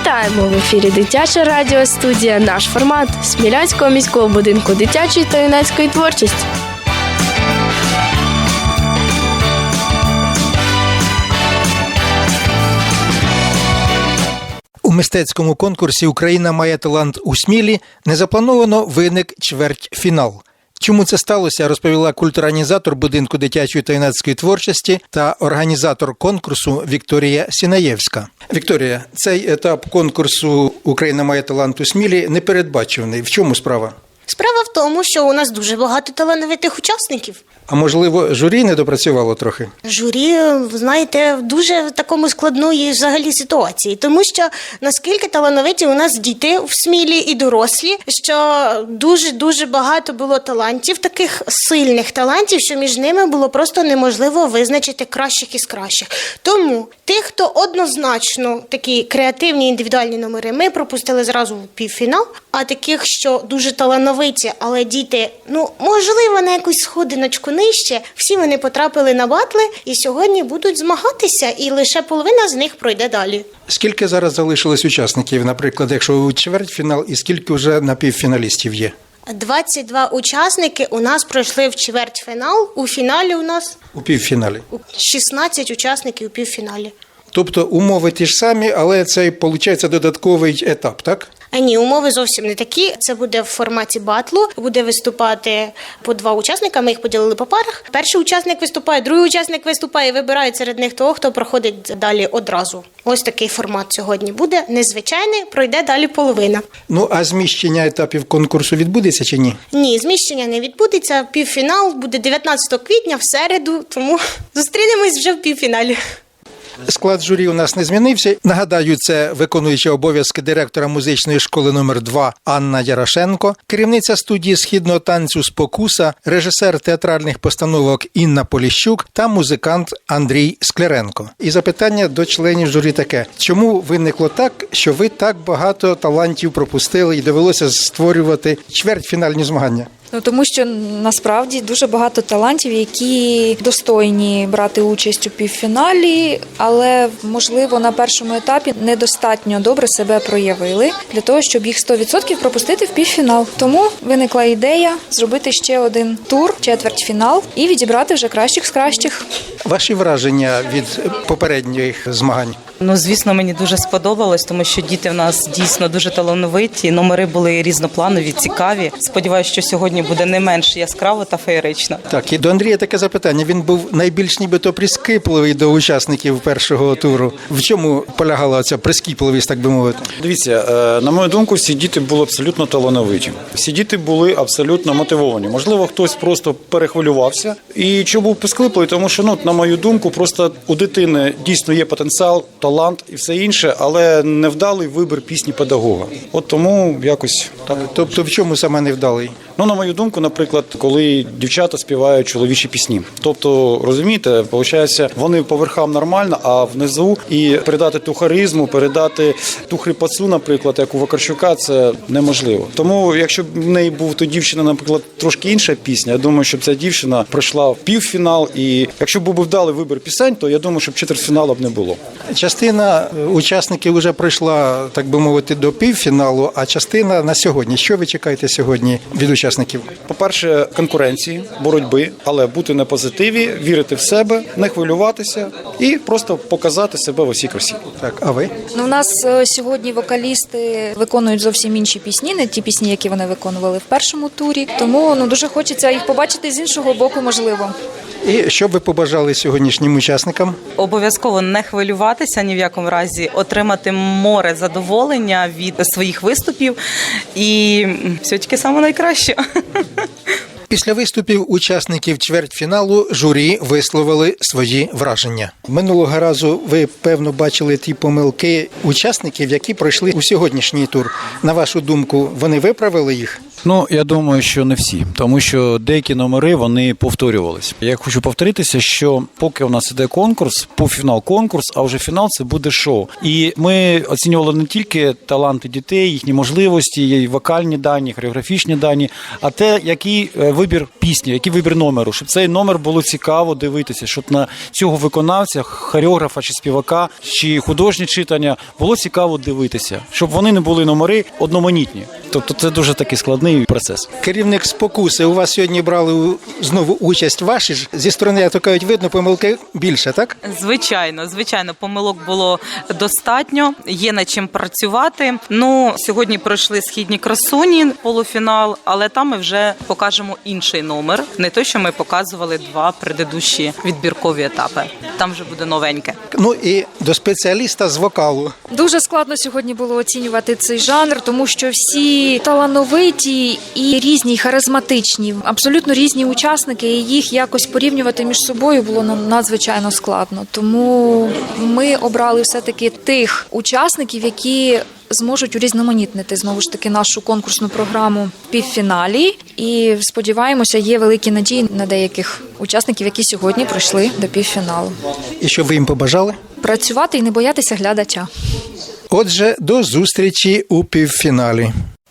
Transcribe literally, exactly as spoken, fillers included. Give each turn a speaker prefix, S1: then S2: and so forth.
S1: Вітаємо! В ефірі Дитяча радіостудія «Наш формат» Смілянського міського будинку дитячої та юнацької творчості.
S2: У мистецькому конкурсі «Україна має талант у Смілі» незаплановано виник чвертьфінал. Чому це сталося, розповіла культурорганізатор будинку дитячої та юнацької творчості та організатор конкурсу Вікторія Сінаєвська. Вікторія, цей етап конкурсу «Україна має талант у Смілі» непередбачений. В чому справа?
S3: Справа в тому, що у нас дуже багато талановитих учасників.
S2: А можливо, журі не допрацювало трохи?
S3: Журі, знаєте, в дуже такому складної взагалі ситуації. Тому що наскільки талановиті у нас діти в Смілі і дорослі, що дуже-дуже багато було талантів, таких сильних талантів, що між ними було просто неможливо визначити кращих із кращих. Тому тих, хто однозначно такі креативні індивідуальні номери, ми пропустили зразу в півфінал, а таких, що дуже талановиті, але діти, ну, можливо, на якусь сходиночку нижче, всі вони потрапили на батли і сьогодні будуть змагатися, і лише половина з них пройде далі.
S2: Скільки зараз залишилось учасників, наприклад, якщо у чвертьфінал, і скільки вже напівфіналістів є?
S3: двадцять два учасники у нас пройшли в чвертьфінал, у фіналі у нас
S2: У півфіналі?
S3: шістнадцять учасників у півфіналі.
S2: Тобто умови ті ж самі, але це, виходить, додатковий етап, так?
S3: А ні, умови зовсім не такі. Це буде в форматі батлу. Буде виступати по два учасника, ми їх поділили по парах. Перший учасник виступає, другий учасник виступає і вибирають серед них того, хто проходить далі одразу. Ось такий формат сьогодні буде. Незвичайний, пройде далі половина.
S2: Ну, а зміщення етапів конкурсу відбудеться чи ні?
S3: Ні, зміщення не відбудеться. Півфінал буде дев'ятнадцятого квітня в середу, тому зустрінемось вже в півфіналі.
S2: Склад журі у нас не змінився. Нагадаю, це виконуюча обов'язки директора музичної школи номер два Анна Ярошенко, керівниця студії східного танцю «Спокуса», режисер театральних постановок Інна Поліщук та музикант Андрій Скляренко. І запитання до членів журі таке. Чому виникло так, що ви так багато талантів пропустили і довелося створювати чвертьфінальні змагання?
S4: Ну, тому що насправді дуже багато талантів, які достойні брати участь у півфіналі, але, можливо, на першому етапі недостатньо добре себе проявили для того, щоб їх сто відсотків пропустити в півфінал. Тому виникла ідея зробити ще один тур, четвертьфінал, і відібрати вже кращих з кращих.
S2: Ваші враження від попередніх змагань?
S5: Ну, звісно, мені дуже сподобалось, тому що діти в нас дійсно дуже талановиті, номери були різнопланові, цікаві. Сподіваюся, що сьогодні буде не менш яскраво та феєрично.
S2: Так, і до Андрія таке запитання. Він був найбільш нібито прискіпливий до учасників першого туру. В чому полягала ця прискіпливість, так би мовити?
S6: Дивіться, на мою думку, всі діти були абсолютно талановиті. Всі діти були абсолютно мотивовані. Можливо, хтось просто перехвилювався. І чому був прискіпливий? Тому що, ну, на мою думку, просто у дитини дійсно є потенціал, талант і все інше, але невдалий вибір пісні педагога. От тому якось так.
S2: Тобто в чому саме невдалий?
S6: Ну, на мою думку, наприклад, коли дівчата співають чоловічі пісні. Тобто, розумієте, виходить, вони по верхам нормально, а внизу і передати ту харизму, передати ту хрипотцю, наприклад, як у Вакарчука, це неможливо. Тому, якщо б в неї був то дівчина, наприклад, трошки інша пісня, я думаю, щоб ця дівчина пройшла в півфінал, і якщо б був вдалий вибір пісень, то я думаю, щоб четвертьфіналу б не було.
S2: Частина учасників вже пройшла, так би мовити, до півфіналу, а частина на сьогодні. Що ви чекаєте сьогодні від учасників?
S6: По-перше, конкуренції, боротьби, але бути на позитиві, вірити в себе, не хвилюватися і просто показати себе в усій красі.
S2: Так, а ви?
S4: Ну, у нас сьогодні вокалісти виконують зовсім інші пісні, не ті пісні, які вони виконували в першому турі. Тому, ну, дуже хочеться їх побачити з іншого боку, можливо.
S2: І що б ви побажали сьогоднішнім учасникам?
S5: Обов'язково не хвилюватися ні в якому разі, отримати море задоволення від своїх виступів і все тільки саме найкраще.
S2: Після виступів учасників чвертьфіналу журі висловили свої враження. Минулого разу ви, певно, бачили ті помилки учасників, які пройшли у сьогоднішній тур. На вашу думку, вони виправили їх?
S6: Ну, я думаю, що не всі, тому що деякі номери, вони повторювались. Я хочу повторитися, що поки у нас іде конкурс, півфінал конкурс, а вже фінал це буде шоу. І ми оцінювали не тільки таланти дітей, їхні можливості, її вокальні дані, хореографічні дані, а те, який вибір пісні, який вибір номеру, щоб цей номер було цікаво дивитися, щоб на цього виконавця, хореографа чи співака, чи художнє читання було цікаво дивитися, щоб вони не були номери одноманітні. Тобто це дуже такий складний процес.
S2: Керівник «Спокуси», у вас сьогодні брали у- знову участь ваші ж. Зі сторони, як то кажуть, видно, помилки більше, так?
S5: Звичайно, звичайно, помилок було достатньо, є над чим працювати. Ну, сьогодні пройшли «Східні красуні» полуфінал, але там ми вже покажемо інший номер, не той, що ми показували два предыдущі відбіркові етапи. Там вже буде новеньке.
S2: Ну і до спеціаліста з вокалу.
S4: Дуже складно сьогодні було оцінювати цей жанр, тому що всі талановиті і різні, і харизматичні, абсолютно різні учасники, і їх якось порівнювати між собою було нам надзвичайно складно. Тому ми обрали все-таки тих учасників, які зможуть урізноманітнити знову ж таки нашу конкурсну програму в півфіналі. І сподіваємося, є великі надії на деяких учасників, які сьогодні пройшли до півфіналу.
S2: І що ви їм побажали?
S4: Працювати і не боятися глядача.
S2: Отже, до зустрічі у півфіналі.